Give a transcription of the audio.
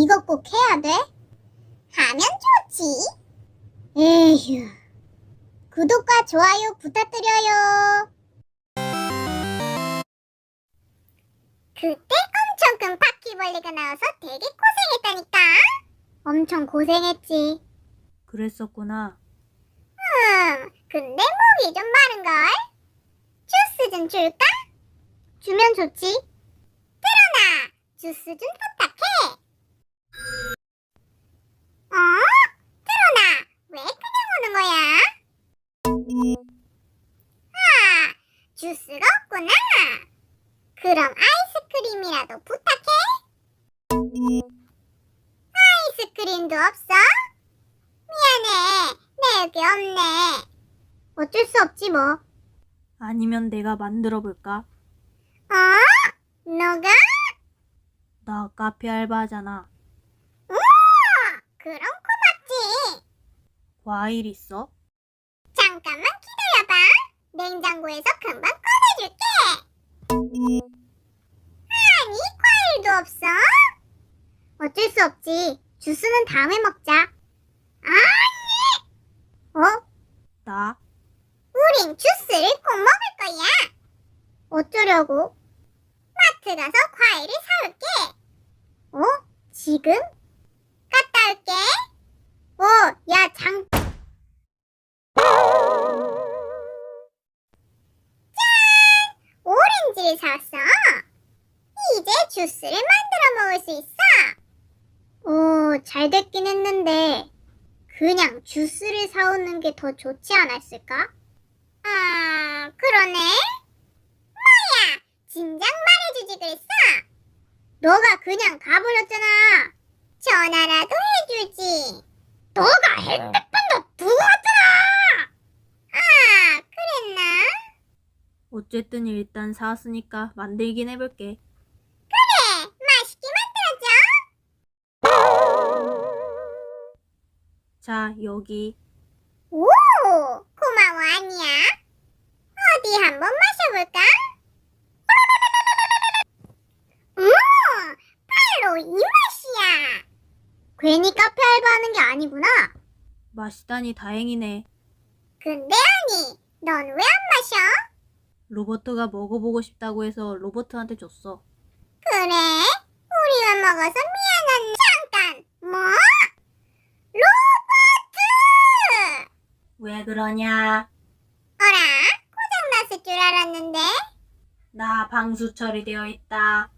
이거 꼭 해야 돼? 하면 좋지. 에휴. 구독과 좋아요 부탁드려요. 그때 엄청 큰 바퀴벌레가 나와서 되게 고생했다니까. 엄청 고생했지. 그랬었구나. 근데 목이 좀 마른걸? 주스 좀 줄까? 주면 좋지. 드러나, 주스 좀 부탁해. 드러나, 왜 그냥 오는 거야? 아, 주스가 없구나. 그럼 아이스크림이라도 부탁해. 아이스크림도 없어? 미안해, 내 여기 없네. 어쩔 수 없지 뭐. 아니면 내가 만들어 볼까? 너가? 나 카페 알바하잖아. 우와, 그럼 고맙지. 과일 있어? 잠깐만 기다려봐. 냉장고에서 금방 꺼내줄게. 아니, 과일도 없어? 어쩔 수 없지. 주스는 다음에 먹자. 아니! 나? 우린 주스를 꼭 먹을 거야. 어쩌려고? 마트 가서 과일을 사올게. 지금? 갔다 올게. 야, 짠! 오렌지를 사왔어. 이제 주스를 만들어 먹을 수 있어. 잘 됐긴 했는데 그냥 주스를 사오는 게 더 좋지 않았을까? 그러네. 뭐야, 진작 말해주지 그랬어? 너가 그냥 가버렸잖아. 전화라도 해주지. 너가 핸드폰도 두고 왔잖아. 그랬나? 어쨌든 일단 사왔으니까 만들긴 해볼게. 그래, 맛있게 만들어줘. 자, 여기. 오, 고마워, 아니야. 어디 한번 마셔볼까? 바로 이 맛이야. 괜히 카페 알바하는 게 아니구나. 맛있다니 다행이네. 근데 아니, 넌 왜 안 마셔? 로버트가 먹어보고 싶다고 해서 로버트한테 줬어. 그래? 우리만 먹어서 미안한. 잠깐, 뭐? 로버트! 왜 그러냐? 어라? 고장났을 줄 알았는데? 나 방수 처리되어 있다.